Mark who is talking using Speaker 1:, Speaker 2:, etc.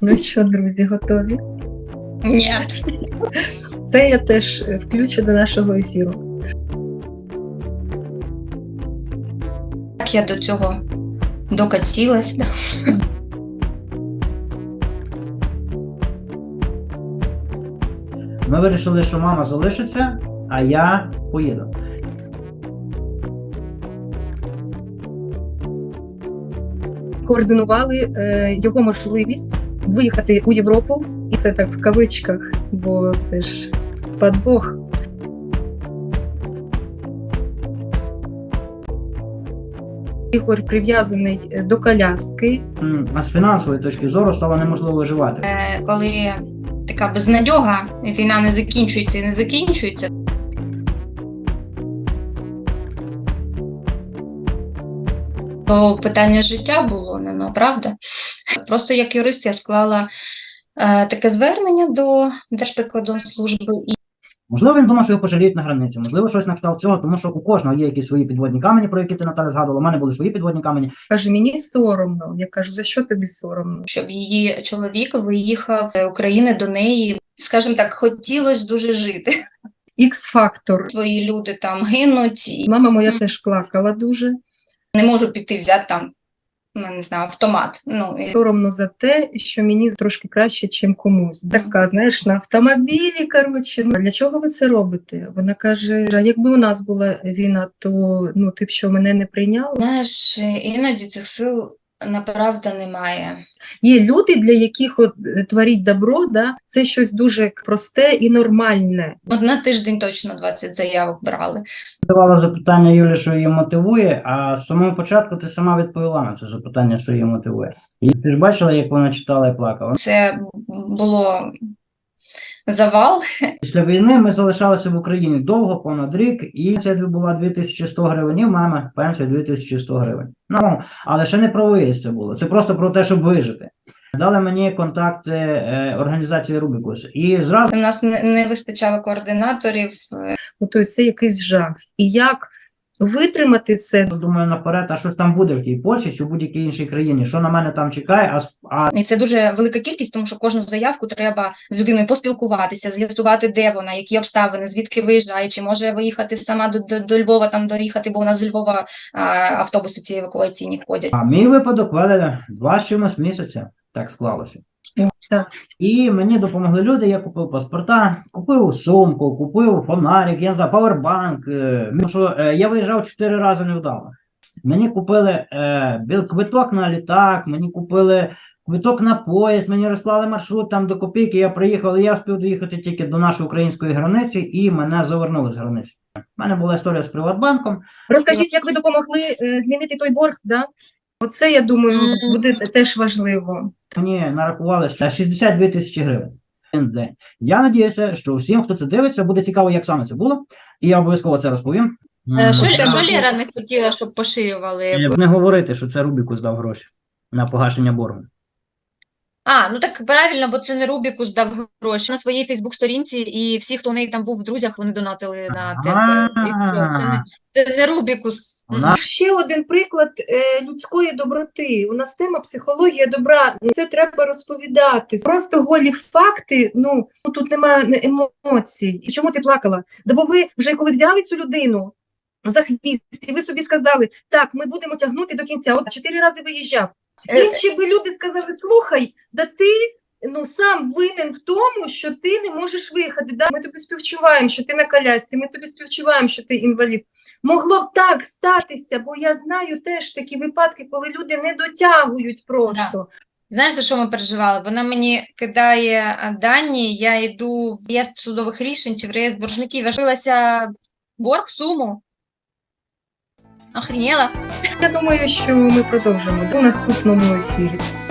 Speaker 1: Ну що, друзі, готові?
Speaker 2: Ні.
Speaker 1: Це я теж включу до нашого ефіру.
Speaker 2: Як я до цього докатилась.
Speaker 3: Ми вирішили, що мама залишиться, а я поїду.
Speaker 1: Координували його можливість виїхати у Європу, і це так в кавичках, бо це ж подбог. Ігор прив'язаний до коляски.
Speaker 3: А з фінансової точки зору стало неможливо виживати.
Speaker 2: Коли така безнадьога, війна не закінчується і не закінчується. То питання життя було, правда? Просто як юрист я склала таке звернення до Держприкордонслужби.
Speaker 3: Можливо, він думав, що його пожаліють на границі. Можливо, щось на кшталт цього, тому що у кожного є якісь свої підводні камені, про які ти, Наталя, згадувала. У мене були свої підводні камені.
Speaker 1: Каже, мені соромно. Я кажу, за що тобі соромно?
Speaker 2: Щоб її чоловік виїхав з України до неї. Скажімо так, хотілося дуже жити.
Speaker 1: Ікс-фактор.
Speaker 2: Свої люди там гинуть. І
Speaker 1: Мама моя теж плакала дуже.
Speaker 2: не можу піти взяти там, не знаю, автомат.
Speaker 1: Соромно за те, що мені трошки краще, чим комусь. Така, знаєш, на автомобілі, коротше. Для чого ви це робите? Вона каже, а якби у нас була війна, то ти б що, мене не прийняла?
Speaker 2: Знаєш, іноді цих сил направда немає.
Speaker 1: Є люди, для яких творіть добро, да, це щось дуже просте і нормальне.
Speaker 2: На тиждень точно 20 заявок брали.
Speaker 3: Давала запитання Юлі, що її мотивує, а з самого початку ти сама відповіла на це запитання, що її мотивує. І ти ж бачила, як вона читала і плакала?
Speaker 2: Це було завал.
Speaker 3: Після війни ми залишалися в Україні довго, понад рік, і це була 2100 гривень, і в мами пенсія 2100 гривень. Але ще не про виїзд це було, це просто про те, щоб вижити. Дали мені контакти організації Рубікус. І зразу
Speaker 2: У нас не вистачало координаторів.
Speaker 1: Тобто це якийсь жах. І як витримати це?
Speaker 3: думаю наперед, а що ж там буде в тій Польщі чи в будь-якій іншій країні, що на мене там чекає,
Speaker 2: І це дуже велика кількість, тому що кожну заявку треба з людиною поспілкуватися, з'ясувати, де вона, які обставини, звідки виїжджає, чи може виїхати сама до Львова, там доїхати, бо у нас з Львова автобуси ці евакуаційні ходять.
Speaker 3: А мій випадок вели 2 з чимось місяця, так склалося.
Speaker 1: Так.
Speaker 3: І мені допомогли люди, я купив паспорта, купив сумку, купив фонарик, я не знаю, павербанк. Я виїжджав 4 рази невдало. Мені купили квиток на літак, мені купили квиток на поїзд, мені розклали маршрут там до копійки, я приїхав, і я встиг доїхати тільки до нашої української границі, і мене завернули з границі. У мене була історія з Приватбанком.
Speaker 1: Розкажіть, як ви допомогли змінити той борг, да? Оце, я думаю, буде теж важливо.
Speaker 3: Мені нарахували 62 тисячі гривень. День. Я надіюся, що всім, хто це дивиться, буде цікаво, як саме це було, і я обов'язково це розповім.
Speaker 2: Що Лера не хотіла, щоб поширювали?
Speaker 3: Не говорити, що це Рубіку здав гроші на погашення боргу.
Speaker 2: Так правильно, бо це не Рубіку здав гроші. На своїй Фейсбук-сторінці, і всі, хто у неї там був в друзях, вони донатили на тебе. Це не Рубікус.
Speaker 1: Ще один приклад людської доброти. У нас тема психологія добра. Це треба розповідати. Просто голі факти, тут немає емоцій. Чому ти плакала? Бо ви вже коли взяли цю людину за хвіст, і ви собі сказали, так, ми будемо тягнути до кінця. 4 рази виїжджав. Інші би люди сказали, слухай, да ти сам винен в тому, що ти не можеш виїхати. Да? Ми тобі співчуваємо, що ти на колясці, ми тобі співчуваємо, що ти інвалід. Могло б так статися, бо я знаю теж такі випадки, коли люди не дотягують просто.
Speaker 2: Да. Знаєш, за що ми переживали? Вона мені кидає дані, я йду в реєстр судових рішень чи в реєстр боржників. Я дивилася борг, суму. Охренела.
Speaker 1: Я думаю, що ми продовжимо у наступному ефірі.